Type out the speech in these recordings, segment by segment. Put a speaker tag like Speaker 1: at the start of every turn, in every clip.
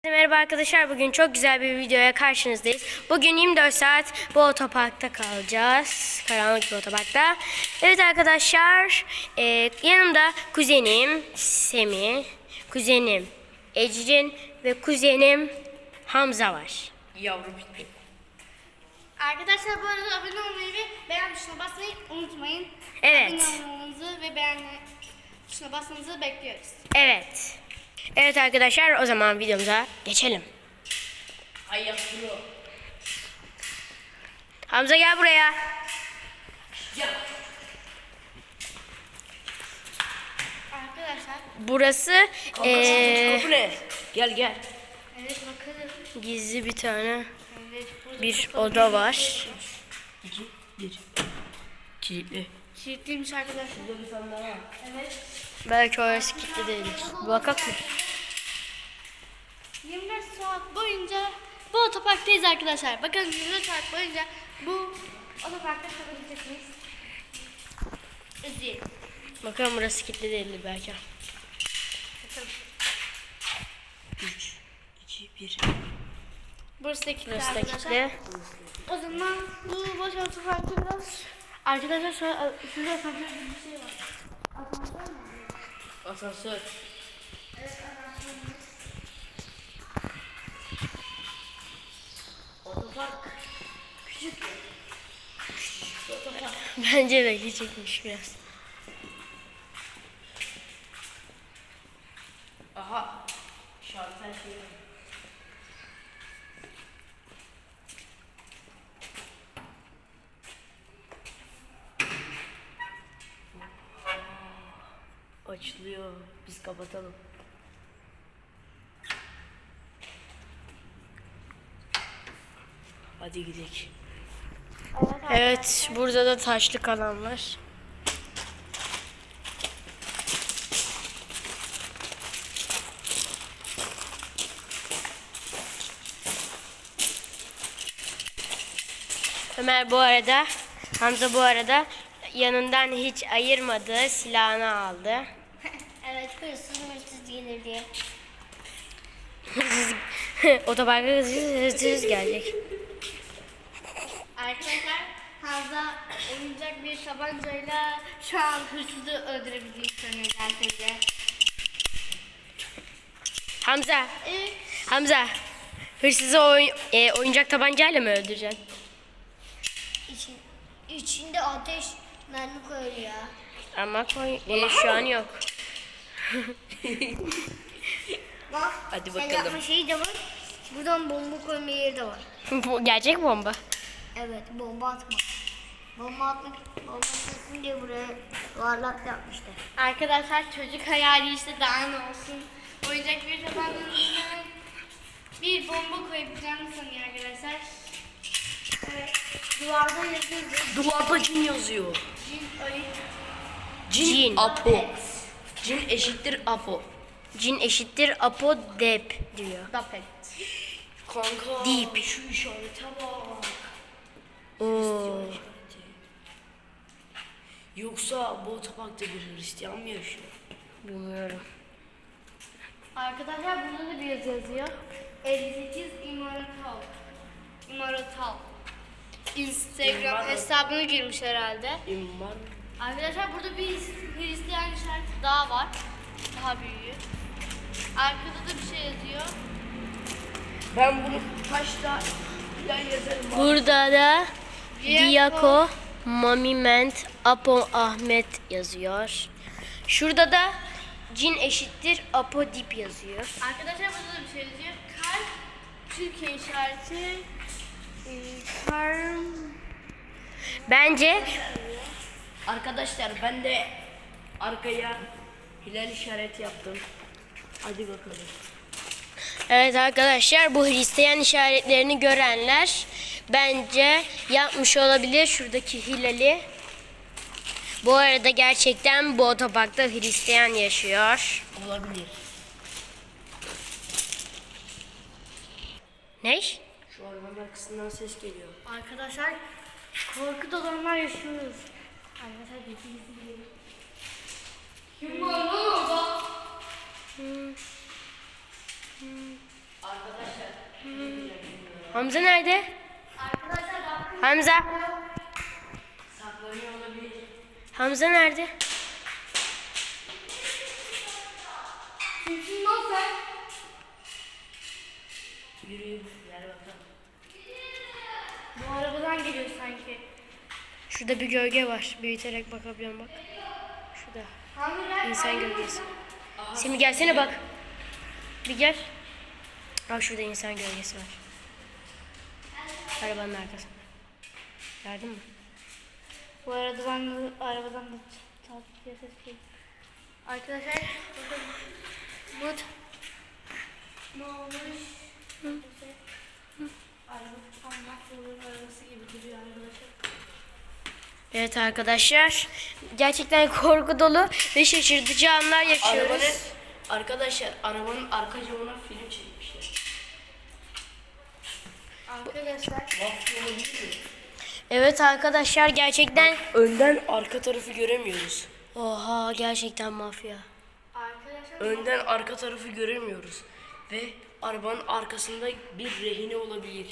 Speaker 1: Merhaba arkadaşlar, bugün çok güzel bir videoya karşınızdayız. Bugün 24 saat bu otoparkta kalacağız. Karanlık bir otoparkta. Evet arkadaşlar, yanımda kuzenim Semih, kuzenim Ecrin ve kuzenim Hamza var.
Speaker 2: Yavru bitti.
Speaker 3: Arkadaşlar bu arada abone olmayı ve beğen tuşuna basmayı unutmayın.
Speaker 1: Evet.
Speaker 3: Abone olmanızı ve beğen tuşuna basmanızı bekliyoruz.
Speaker 1: Evet. Evet arkadaşlar, o zaman videomuza geçelim.
Speaker 2: Ayak bro.
Speaker 1: Hamza gel buraya.
Speaker 2: Ya.
Speaker 3: Arkadaşlar
Speaker 1: Burası
Speaker 2: Kapı ne? Gel.
Speaker 3: evet bakalım.
Speaker 1: gizli bir tane
Speaker 3: Evet, burada
Speaker 1: bir
Speaker 3: kapalı
Speaker 1: oda var.
Speaker 2: 2, 1. Kilitli.
Speaker 3: Kilitliymiş arkadaşlar.
Speaker 2: Burada bir tane daha var.
Speaker 3: Evet.
Speaker 1: Belki orası kilitli değildir. Bakak mı?
Speaker 3: 24 saat boyunca bu otoparktayız arkadaşlar. Bakın 24 saat boyunca bu otoparkta kalabilecek miyiz? İzleyelim.
Speaker 1: Bakalım burası kilitli değildir belki.
Speaker 3: Bakalım.
Speaker 2: 3, 2, 1.
Speaker 3: Burası da kilitli
Speaker 1: Burası da
Speaker 3: arkadaşlar.
Speaker 1: kilitli.
Speaker 3: O zaman bu boş otoparkta biraz... Arkadaşlar şurada asansör gibi bir şey var. Asansör mü?
Speaker 2: Asansör.
Speaker 3: Evet asansör.
Speaker 2: Otopark. Küçük. Otopark.
Speaker 1: Bence de küçükmüş biraz.
Speaker 2: Aha. Şartel şey var. Açılıyor. Biz kapatalım. Hadi gidelim.
Speaker 1: Evet, burada da taşlık alan var. Ömer bu arada, Hamza bu arada yanından hiç ayırmadığı silahını aldı.
Speaker 3: Evet hırsız gelir diye.
Speaker 1: Otoparka hırsız gelecek.
Speaker 3: Arkadaşlar Hamza oyuncak bir tabancayla şu an hırsızı öldürebildiğini sanıyor gerçekten.
Speaker 1: Hamza,
Speaker 3: Evet.
Speaker 1: Hamza, hırsızı oyuncak tabancayla mı öldüreceksin?
Speaker 3: İçinde ateş mermi koyuyor.
Speaker 1: Ama şu an yok.
Speaker 3: Bak
Speaker 2: Hadi
Speaker 3: sen
Speaker 2: bakalım.
Speaker 3: yapma şeyi de var. Buradan bomba koyma yeri de var.
Speaker 1: Bu gerçek bomba.
Speaker 3: Evet bomba atma. Bomba atmasın diye buraya yuvarlak yapmışlar. Arkadaşlar çocuk hayali işte daha ne olsun. Oyuncak bir tabancanın içine bir bomba koyabileceğini sanıyor arkadaşlar. Evet. Duvarda yazıyor.
Speaker 2: Duvarda cin yazıyor.
Speaker 3: Cin ayı.
Speaker 1: Cin.
Speaker 2: Apo. Cin eşittir Apo.
Speaker 1: Cin eşittir Apo Dep diyor.
Speaker 3: Dapet.
Speaker 2: Kanka.
Speaker 1: Deep.
Speaker 2: Şu işarete bak.
Speaker 1: Oo.
Speaker 2: Yoksa bu otoparkta bir Hristiyan mı yaşıyor?
Speaker 1: Bilmiyorum.
Speaker 3: Arkadaşlar burada da bir yazı yazıyor. 58 İmaratal. Instagram
Speaker 2: İmaratal.
Speaker 3: hesabına girmiş herhalde.
Speaker 2: İmman.
Speaker 3: Arkadaşlar burada bir Hristiyan işareti daha var. Daha büyüğü. Arkada da bir şey yazıyor.
Speaker 2: Ben bunu taşla plan yazarım.
Speaker 1: Burada da
Speaker 3: Diyako.
Speaker 1: Diyako Mamiment Apo Ahmet yazıyor. Şurada da Cin eşittir Apo Dip yazıyor.
Speaker 3: Arkadaşlar burada da bir şey yazıyor. Kalp Türkiye işareti. Karm.
Speaker 1: Bence
Speaker 2: Arkadaşlar ben de arkaya hilal işareti yaptım. Hadi bakalım.
Speaker 1: evet arkadaşlar, bu Hristiyan işaretlerini görenler bence yapmış olabilir şuradaki hilali. Bu arada gerçekten bu otoparkta Hristiyan yaşıyor.
Speaker 2: Olabilir.
Speaker 1: Ne?
Speaker 2: Şu arabanın arkasından ses geliyor.
Speaker 3: Arkadaşlar korku dolanlar yaşıyoruz. Arkadaşlar dediğiniz gibi. Kim var lan orada?
Speaker 1: Hamza nerede?
Speaker 3: Arkadaşlar bakın.
Speaker 1: Hamza.
Speaker 2: Saklanıyor olabilir.
Speaker 1: Hamza nerede?
Speaker 3: Kimsin lan sen?
Speaker 2: Yürüyün. Gel bakalım.
Speaker 3: Bu arabadan geliyor sanki.
Speaker 1: Şurada bir gölge var. Büyüterek bakabiliyorum bak. Şurada.
Speaker 3: Hamile.
Speaker 1: İnsan gölgesi. Semih gelsene bak. Bir gel. Bak şurada insan gölgesi var. Arabanın arkasında. Gördün mü?
Speaker 3: Bu arada ben arabadan da takip diye ses geliyor. Arkadaşlar bakın. Bu ne olmuş? Araba tam mahvolun arabası gibi duruyor arkadaşlar.
Speaker 1: Evet arkadaşlar. Gerçekten korku dolu ve şaşırtıcı anlar yaşıyoruz.
Speaker 2: Arkadaşlar arabanın arka camına film çekmişler.
Speaker 3: Arkadaşlar
Speaker 2: Mafya olabilir mi?
Speaker 1: Evet arkadaşlar gerçekten.
Speaker 2: Önden arka tarafı göremiyoruz.
Speaker 1: Oha gerçekten mafya.
Speaker 2: Önden arka tarafı göremiyoruz. Ve arabanın arkasında bir rehine olabilir.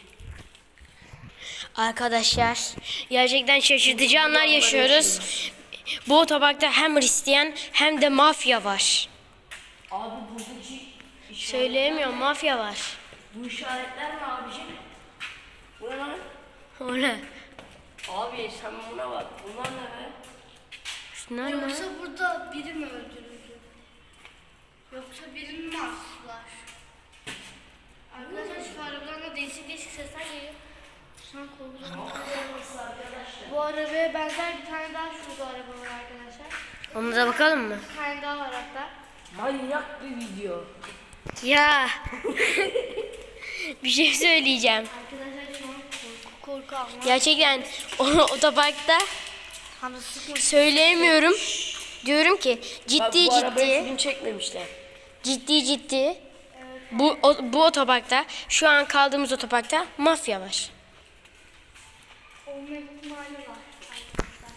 Speaker 1: Arkadaşlar gerçekten şaşırtıcı anlar yaşıyoruz. Bu otoparkta hem Hristiyan hem de mafya var.
Speaker 2: Abi buradaki
Speaker 1: Söyleyemiyorum, mafya var.
Speaker 2: bu işaretler ne abicim? Bu ne lan?
Speaker 1: O ne?
Speaker 2: Abi sen buna bak. Bunlar ne be?
Speaker 1: Şunlar ne?
Speaker 3: yoksa burada biri mi öldürüldü? Yoksa birini mi astılar? Arkadaşlar şu arabadan da değişik değişik sesler geliyor. Şu an korkuyorum. Bu arabaya benzer bir tane daha şurada araba var arkadaşlar.
Speaker 1: Ona da bakalım mı?
Speaker 3: Bir tane daha var hatta.
Speaker 2: Manyak bir video.
Speaker 1: Ya. Bir şey söyleyeceğim.
Speaker 3: Arkadaşlar şu an korku alma.
Speaker 1: Gerçekten otoparkta
Speaker 3: Hamza sıkma.
Speaker 1: söyleyemiyorum. Diyorum ki
Speaker 2: Bak
Speaker 1: ciddi
Speaker 2: bu arabaya
Speaker 1: ciddi
Speaker 2: film çekmemişler.
Speaker 1: ciddi bu otoparkta şu an kaldığımız otoparkta mafya var.
Speaker 3: Olma ihtimali var arkadaşlar.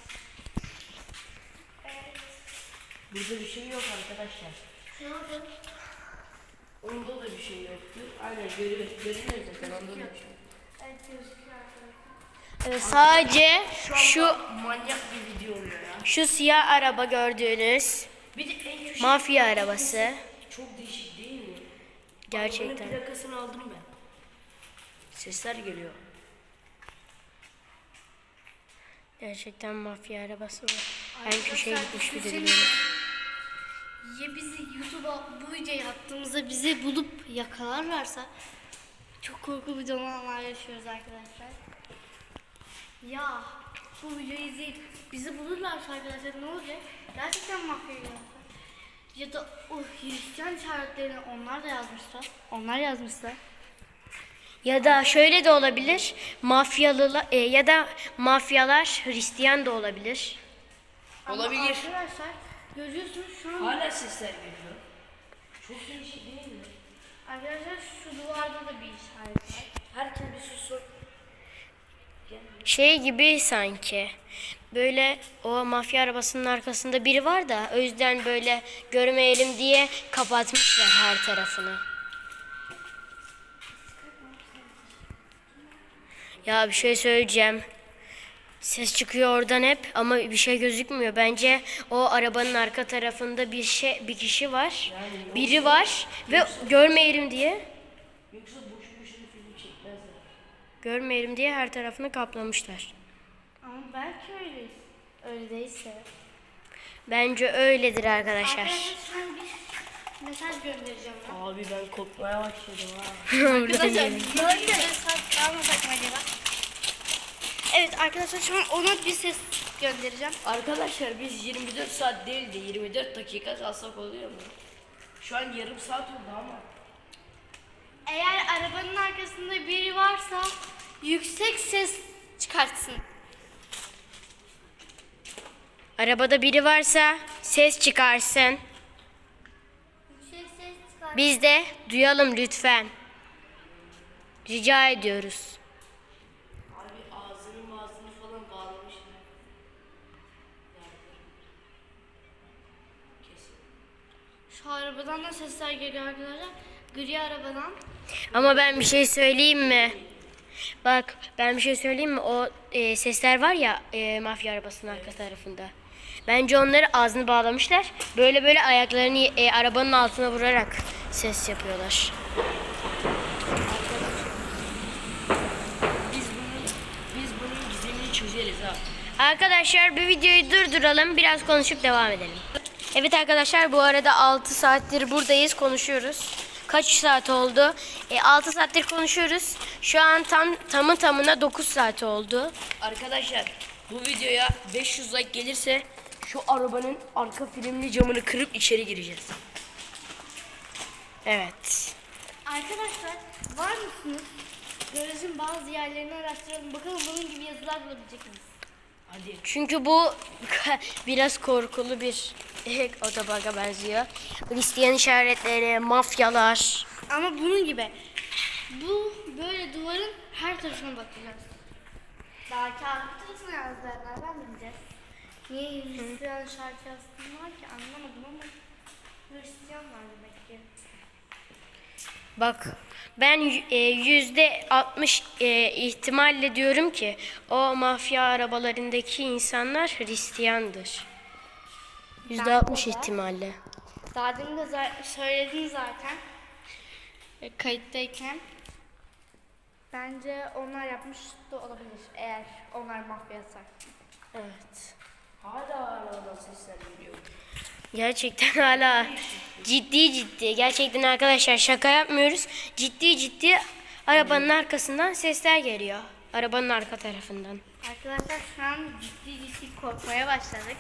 Speaker 3: Evet.
Speaker 2: Burada bir şey yok arkadaşlar.
Speaker 3: Ne oldu?
Speaker 2: Onda da bir şey yoktur. Aynen görünüyor zaten onda da bir şey yok.
Speaker 3: Evet gözüküyor arkadaşlar.
Speaker 1: Evet, sadece şu
Speaker 2: Manyak bir video oluyor ya.
Speaker 1: şu siyah araba gördüğünüz
Speaker 2: Bir de en köşe
Speaker 1: mafya arabası.
Speaker 2: çok değişik değil mi?
Speaker 1: Gerçekten.
Speaker 2: Bunun plakasını aldım ben. Sesler geliyor.
Speaker 1: Gerçekten mafya arabası var. En köşeye gitmiş bir de
Speaker 3: Arkadaşlar,
Speaker 1: biliyorum.
Speaker 3: ya bizi YouTube'a bu videoyu attığımızda bizi bulup yakalarlarsa çok korku videolar yaşıyoruz arkadaşlar. Ya bu videoyu izleyip bizi bulurlarsa arkadaşlar ne olacak? Gerçekten mafya yapar. Ya da o Hristiyan işaretlerini onlar da yazmışlar. Onlar yazmışlar.
Speaker 1: Ya da şöyle de olabilir. Mafyalı ya da mafyalar Hristiyan da olabilir.
Speaker 3: Ama
Speaker 2: Olabilir.
Speaker 3: arkadaşlar görüyorsunuz şu an
Speaker 2: Hala sesler geliyor. Çok değişik değil mi?
Speaker 3: arkadaşlar şu duvarda da bir işaret var.
Speaker 2: Herkes bir sussun.
Speaker 1: Şey gibi sanki. Böyle o mafya arabasının arkasında biri var da o yüzden böyle görmeyelim diye kapatmışlar her tarafını. Ya bir şey söyleyeceğim. Ses çıkıyor oradan hep ama bir şey gözükmüyor. Bence o arabanın arka tarafında bir kişi var. Biri var ve görmeyelim diye.
Speaker 2: Yoksa boşu boşuna film çekmezler.
Speaker 1: Görmeyelim diye her tarafını kaplamışlar.
Speaker 3: Ama belki öyleyiz. Öyle değilse.
Speaker 1: Bence öyledir arkadaşlar.
Speaker 3: Arkadaşlar ben bir mesaj göndereceğim ben.
Speaker 2: Abi ben korkmaya başladım ha.
Speaker 3: Arkadaşlar böyle mesaj almasak mı acaba? Evet arkadaşlar şu an ona bir ses göndereceğim.
Speaker 2: Arkadaşlar biz 24 saat değil de 24 dakika kalsak oluyor mu? Şu an yarım saat oldu ama.
Speaker 3: Eğer arabanın arkasında biri varsa yüksek ses çıkartsın.
Speaker 1: Arabada biri varsa ses çıkarsın.
Speaker 3: Yüksek ses çıkartsın.
Speaker 1: Biz de duyalım lütfen. Rica ediyoruz.
Speaker 2: Abi ağzını falan bağlamışlar. Kesin.
Speaker 3: Şu arabadan da sesler geliyor arkadaşlar. Gri arabadan.
Speaker 1: Ama ben bir şey söyleyeyim mi? Bak ben bir şey söyleyeyim mi? O sesler var ya mafya arabasının arka tarafında. Bence onları ağzını bağlamışlar. Böyle böyle ayaklarını arabanın altına vurarak ses yapıyorlar.
Speaker 2: Biz bunun gizemini çözeriz ha.
Speaker 1: Arkadaşlar bir videoyu durduralım. Biraz konuşup devam edelim. Evet arkadaşlar bu arada 6 saattir buradayız. Konuşuyoruz. Kaç saat oldu? 6 saattir konuşuyoruz. Şu an tamı tamına 9 saat oldu.
Speaker 2: Arkadaşlar bu videoya 500 like gelirse şu arabanın arka filmli camını kırıp içeri gireceğiz.
Speaker 1: Evet.
Speaker 3: Arkadaşlar var mısınız? Garajın bazı yerlerini araştıralım. Bakalım bunun gibi yazılar bulabilecek miyiz?
Speaker 2: Hadi.
Speaker 1: Çünkü bu biraz korkulu bir otoparka benziyor. Hristiyan işaretleri, mafyalar.
Speaker 3: Ama bunun gibi. Bu böyle duvarın her tarafına bakacağız. Daha kağıt tarafına yazdılar. Nereden bileceğiz? Niye Hristiyan şarkı yazsınlar ki anlamadım ama Hristiyan var demek ki.
Speaker 1: Bak ben %60 ihtimalle diyorum ki o mafya arabalarındaki insanlar Hristiyandır. %60 ihtimalle.
Speaker 3: Daha demin de söyledin zaten. Kayıttayken. Bence onlar yapmış da olabilir eğer onlar mafyaysa.
Speaker 1: Evet.
Speaker 2: Hala oradan sesler geliyor.
Speaker 1: Gerçekten hala ciddi gerçekten arkadaşlar şaka yapmıyoruz. Ciddi arabanın arkasından sesler geliyor. Arabanın arka tarafından.
Speaker 3: Arkadaşlar şu an ciddi korkmaya başladık.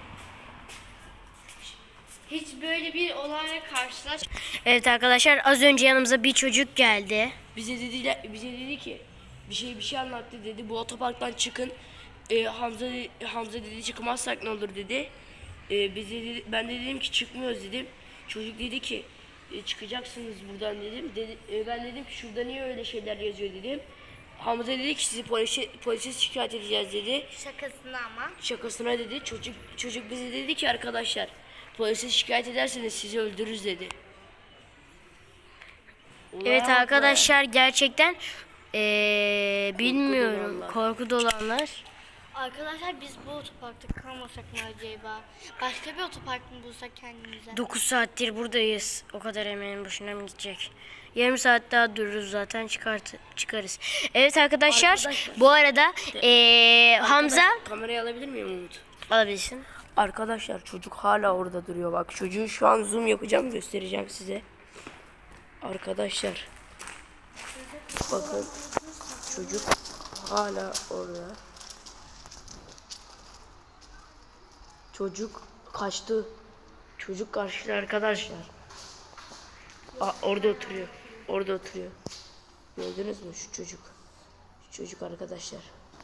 Speaker 3: Hiç böyle bir olayla
Speaker 1: Evet arkadaşlar az önce yanımıza bir çocuk geldi.
Speaker 2: Bize dedi ki bir şey anlattı dedi. Bu otoparktan çıkın. Hamza dedi çıkmazsak ne olur dedi. Ben de dedim ki çıkmıyoruz dedim. Çocuk dedi ki çıkacaksınız buradan dedim. Ben dedim ki şurada niye öyle şeyler yazıyor dedim. Hamza dedi ki sizi polise şikayet edeceğiz dedi.
Speaker 3: şakasına ama.
Speaker 2: Şakasına dedi. Çocuk bize dedi ki arkadaşlar polise şikayet ederseniz sizi öldürürüz dedi.
Speaker 1: Evet
Speaker 2: Ulan be.
Speaker 1: arkadaşlar gerçekten bilmiyorum
Speaker 2: dolanlar.
Speaker 1: korku dolanlar.
Speaker 3: Arkadaşlar biz bu otoparkta kalmasak mı acaba? Başka bir otopark mı bulsak kendimize?
Speaker 1: 9 saattir buradayız. O kadar emeğin boşuna mı gidecek? Yarım saat daha dururuz zaten çıkarız. Evet arkadaşlar bu arada Hamza
Speaker 2: Kamerayı alabilir miyim Umut?
Speaker 1: alabilirsin.
Speaker 2: Arkadaşlar çocuk hala orada duruyor. Bak çocuğu şu an zoom yapacağım, göstereceğim size. Arkadaşlar bakın çocuk hala orada. Çocuk kaçtı. Çocuk kaçtı arkadaşlar. Orada oturuyor. Orada oturuyor. Gördünüz mü şu çocuk? Şu çocuk arkadaşlar.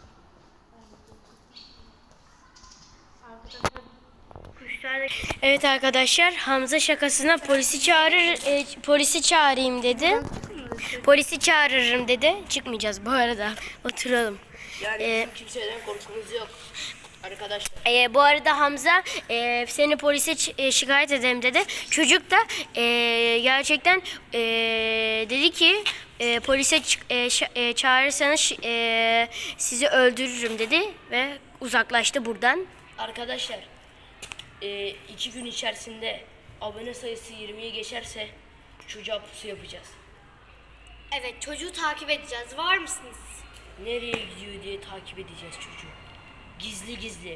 Speaker 1: Evet arkadaşlar Hamza şakasına polisi çağırayım dedi. Polisi çağırırım dedi. Çıkmayacağız bu arada. Oturalım.
Speaker 2: Yani bizim kimseden korkumuz yok. Arkadaşlar.
Speaker 1: Bu arada Hamza seni polise şikayet ederim dedi. Çocuk da gerçekten dedi ki polise çağırırsanız sizi öldürürüm dedi ve uzaklaştı buradan.
Speaker 2: Arkadaşlar 2 gün içerisinde abone sayısı 20'ye geçerse çocuğa pusu yapacağız.
Speaker 3: Evet çocuğu takip edeceğiz. Var mısınız?
Speaker 2: Nereye gidiyor diye takip edeceğiz çocuğu. Gizli.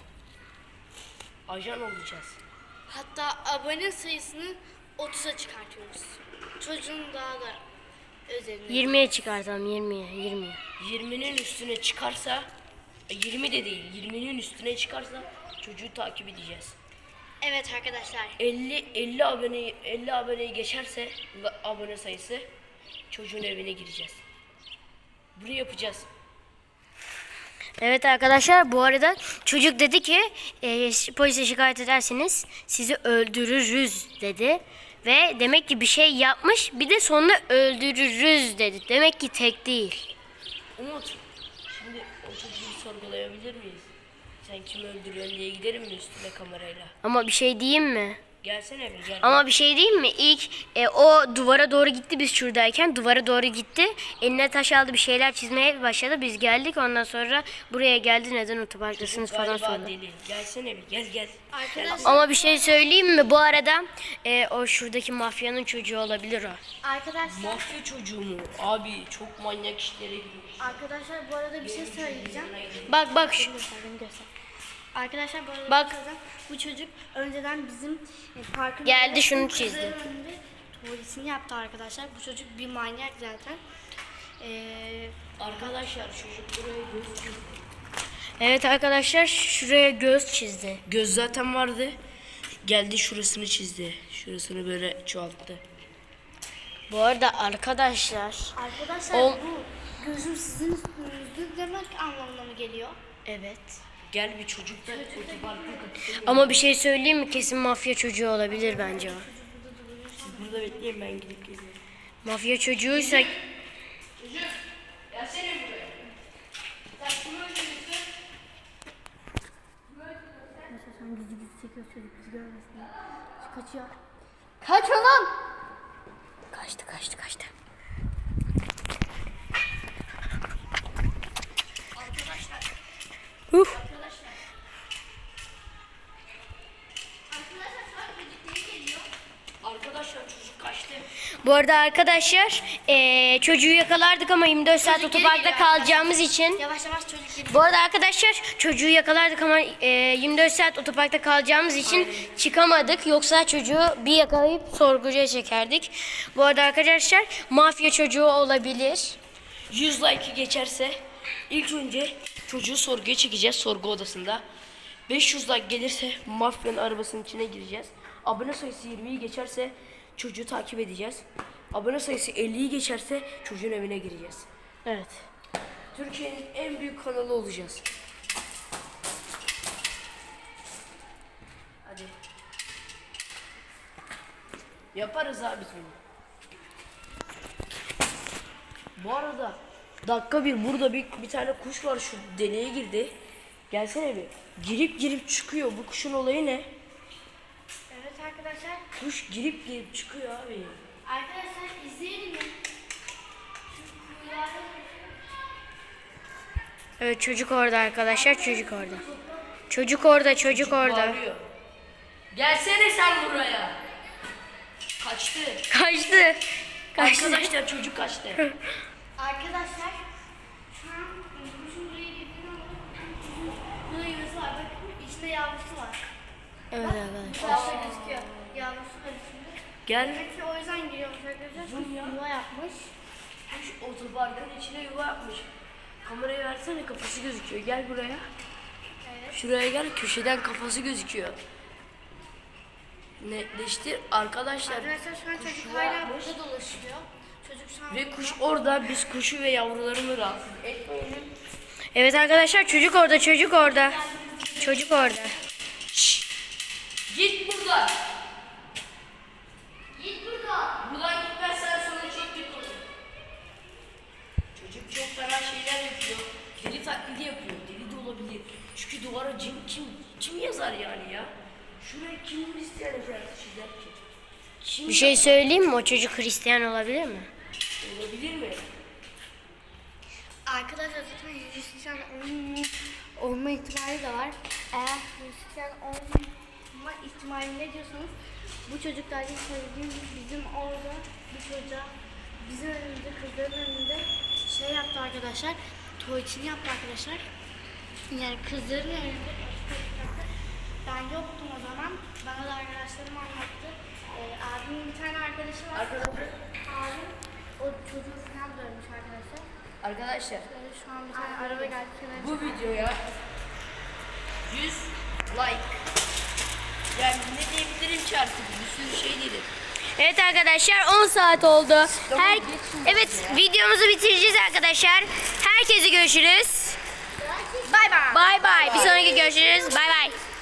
Speaker 2: Ajan olacağız.
Speaker 3: Hatta abone sayısını 30'a çıkartıyoruz. Çocuğun daha da özelini.
Speaker 1: 20'ye çıkartalım 20'ye.
Speaker 2: 20'nin üstüne çıkarsa 20 de değil 20'nin üstüne çıkarsa çocuğu takip edeceğiz.
Speaker 3: Evet arkadaşlar.
Speaker 2: 50 aboneyi geçerse abone sayısı çocuğun evine gireceğiz. Bunu yapacağız.
Speaker 1: Evet arkadaşlar bu arada çocuk dedi ki polise şikayet ederseniz sizi öldürürüz dedi. Ve demek ki bir şey yapmış bir de sonunda öldürürüz dedi. Demek ki tek değil.
Speaker 2: Umut, şimdi o çocuğu sorgulayabilir miyiz? Sen kimi öldürüyorsun diye giderim mi üstüne kamerayla?
Speaker 1: Ama bir şey diyeyim mi?
Speaker 2: Gelsene bir gel.
Speaker 1: Ama bir şey diyeyim mi? İlk o duvara doğru gitti biz şuradayken. Duvara doğru gitti. Eline taş aldı, bir şeyler çizmeye başladı. Biz geldik, ondan sonra buraya geldi. Neden otoparktasınız falan
Speaker 2: Galiba
Speaker 1: sordu.
Speaker 2: deli. Gelsene bir gel.
Speaker 3: Arkadaşlar,
Speaker 1: Ama bir şey söyleyeyim mi? Bu arada o şuradaki mafyanın çocuğu olabilir o.
Speaker 3: arkadaşlar,
Speaker 2: Mafya çocuğu mu? Abi çok manyak işlere giriyor.
Speaker 3: arkadaşlar bu arada bir şey söyleyeceğim.
Speaker 1: Bak şu.
Speaker 3: Arkadaşlar bu arada
Speaker 1: Bak.
Speaker 3: bir şey söyleyeceğim. Bu çocuk önceden bizim parkın
Speaker 1: Geldi,
Speaker 3: önünde
Speaker 1: şunu
Speaker 3: kızların
Speaker 1: çizdi.
Speaker 3: önünde tuvaletini yaptı arkadaşlar. Bu çocuk bir manyak zaten.
Speaker 2: Arkadaşlar çocuk buraya göz çizdi.
Speaker 1: Evet arkadaşlar, şuraya göz çizdi.
Speaker 2: Göz zaten vardı. Geldi şurasını çizdi. Şurasını böyle çoğalttı.
Speaker 1: Bu arada arkadaşlar.
Speaker 3: Arkadaşlar
Speaker 1: O-
Speaker 3: bu gözüm sizin üstünüzde demek anlamına mı geliyor?
Speaker 1: Evet.
Speaker 2: Gel bir çocuk da otoparkın kapısını.
Speaker 1: Ama bir şey söyleyeyim mi? Kesin mafya çocuğu olabilir bence o.
Speaker 2: Siz burada bekleyin, ben gidip geliyorum.
Speaker 1: Mafya çocuğuysa
Speaker 2: Gelsene buraya. Sen kimi öldürürsün?
Speaker 3: Kaçıyor. Kaç oğlum!
Speaker 1: kaçtı. Uf.
Speaker 2: Arkadaşlar çocuk kaçtı.
Speaker 1: Bu arada arkadaşlar çocuğu yakalardık ama 24 saat
Speaker 3: Çocuk geri
Speaker 1: otoparkta
Speaker 3: geliyor
Speaker 1: kalacağımız için.
Speaker 3: Yavaş yavaş çocuk gibi.
Speaker 1: Bu arada arkadaşlar çocuğu yakalardık ama 24 saat otoparkta kalacağımız için çıkamadık. Yoksa çocuğu bir yakalayıp sorguya çekerdik. Bu arada arkadaşlar mafya çocuğu olabilir.
Speaker 2: 100 like'ı geçerse ilk önce çocuğu sorguya çekeceğiz sorgu odasında. 500 like gelirse mafyanın arabasının içine gireceğiz. Abone sayısı 20'yi geçerse çocuğu takip edeceğiz. Abone sayısı 50'yi geçerse çocuğun evine gireceğiz.
Speaker 1: Evet.
Speaker 2: Türkiye'nin en büyük kanalı olacağız. Hadi. Yaparız abi bunu. Bu arada dakika bir burada bir tane kuş var, şu deliğe girdi. Gelsene bir. Girip çıkıyor. Bu kuşun olayı ne?
Speaker 3: Evet arkadaşlar.
Speaker 2: Kuş girip çıkıyor abi.
Speaker 3: Arkadaşlar izleyelim mi?
Speaker 1: Evet, çocuk orada arkadaşlar, çocuk orada. Çocuk orada.
Speaker 2: Bağırıyor. Gelsene sen buraya. Kaçtı.
Speaker 1: Kaçtı.
Speaker 2: Arkadaşlar çocuk kaçtı.
Speaker 3: Arkadaşlar şu an kuşun buraya girdiğini anladım. Kuşun burada yuvası var. Bakın içinde yavrusu var.
Speaker 1: Evet arkadaşlar.
Speaker 3: Yavrusu gözüküyor. Yavrusu var içinde.
Speaker 2: Gel.
Speaker 3: Demek ki o yüzden giriyormuş arkadaşlar. Çünkü yuva yapmış.
Speaker 2: Kuş otoparkın içine yuva yapmış. Kamerayı versene, kafası gözüküyor. Gel buraya.
Speaker 3: Evet.
Speaker 2: Şuraya gel, köşeden kafası gözüküyor. Netleştir arkadaşlar.
Speaker 3: Arkadaşlar şu an
Speaker 2: Kuş
Speaker 3: çocuk
Speaker 2: yuva
Speaker 3: hala
Speaker 2: yapmış.
Speaker 3: burada dolaşıyor. Çocuk şu an
Speaker 2: Ve kuş orada, biz kuşu ve yavrularını rahatsız etmeyelim.
Speaker 1: Evet arkadaşlar, çocuk orada. Çocuk orada.
Speaker 2: Git buradan.
Speaker 3: Git buradan.
Speaker 2: Buradan gitmezsen sonra çok kötü olur. Çocuk çok fena şeyler yapıyor. Deli taklidi yapıyor. Deli de olabilir. Çünkü duvara kim yazar yani ya? Şuraya kim Hristiyan çizer ki? Kim
Speaker 1: Bir şey söyleyeyim mi? O çocuk Hristiyan olabilir mi?
Speaker 2: olabilir mi?
Speaker 3: Arkadaşlar zaten Hristiyan olma ihtimali de var. Eğer Hristiyan olma ihtimali ne diyorsanız bu çocuklarla söylediğim gibi bizim orada bir çocuğa bizim önümüzde kızların önünde şey yaptı arkadaşlar. Tuvaletini yaptı arkadaşlar. Yani kızların önünde ben yoktum o zaman. Bana da arkadaşlarım anlattı. Abimin bir tane arkadaşı var.
Speaker 2: Arkadaşlar.
Speaker 3: Abim o çocuğu falan dövmüş arkadaşlar.
Speaker 2: Arkadaşlar
Speaker 3: Şu an bir tane araba geldi. kenara
Speaker 2: bu videoya 100 like. Yani ne diyebilirim ki artık, bir sürü şey dedim.
Speaker 1: Evet arkadaşlar, 10 saat oldu. Evet, videomuzu bitireceğiz arkadaşlar. Herkese görüşürüz.
Speaker 3: Bay bay.
Speaker 1: Bay bay. Bir sonraki görüşürüz. Bay bay.